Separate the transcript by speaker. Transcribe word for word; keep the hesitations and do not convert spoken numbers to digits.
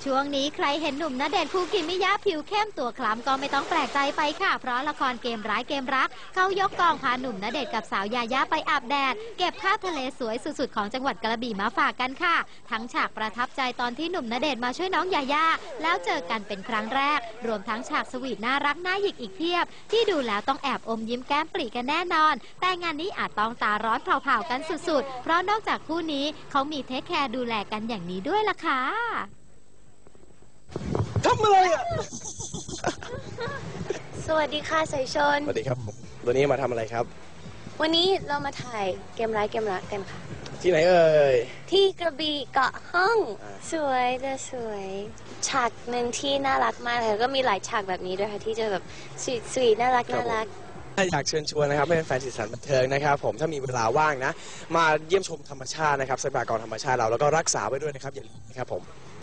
Speaker 1: ช่วงนี้ใครเห็นหนุ่มณเดชน์คูกิมิยะผิวเข้มตัวคล้ำก็ไม่ต้องแปลกใจไปค่ะเพราะละครเกมร้ายเกมรักเขายกกองพาหนุ่มณเดชน์กับสาวยายาไปอาบแดดเก็บภาพทะเลสวยสุดๆของจังหวัดกระบี่มาฝากกันค่ะทั้งฉากประทับใจตอนที่หนุ่มณเดชน์มาช่วยน้องยายาแล้วเจอกันเป็นครั้งแรกรวมทั้งฉากสวีทน่ารักน่าหยิกอีกเพียบที่ดูแล้วต้องแอบอมยิ้มแก้มปรีกันแน่นอนแต่งานนี้อาจต้องตาร้อนเผาๆกันสุดๆเพราะนอกจากคู่นี้เขามีเทคแคร์ดูแลกันอย่างนี้ด้วยล่ะค่ะ
Speaker 2: ทำอะไรอ่ะ
Speaker 3: สวัสดีค่ะสายชน
Speaker 2: สวัสดีครับวันนี้มาทำอะไรครับ
Speaker 3: วันนี้เรามาถ่ายเกมร้ายเกมรักกันค่ะ
Speaker 2: ที่ไหนเอ่ย
Speaker 3: ที่กระบี่เกาะห้องสวยจะสวยฉากหนึ่งที่น่ารักมากเลยก็มีหลายฉากแบบนี้ด้วยค่ะที่จะแบบสวีทสวีทน่ารักน่ารัก
Speaker 2: อยากเชิญชวนนะครับให้แฟนสีสันบันเทิงนะครับผมถ้ามีเวลาว่างนะมาเยี่ยมชมธรรมชาตินะครับทรัพยากรธรรมชาติเราแล้วก็รักษาไว้ด้วยนะครับอย่าลืมนะครับผม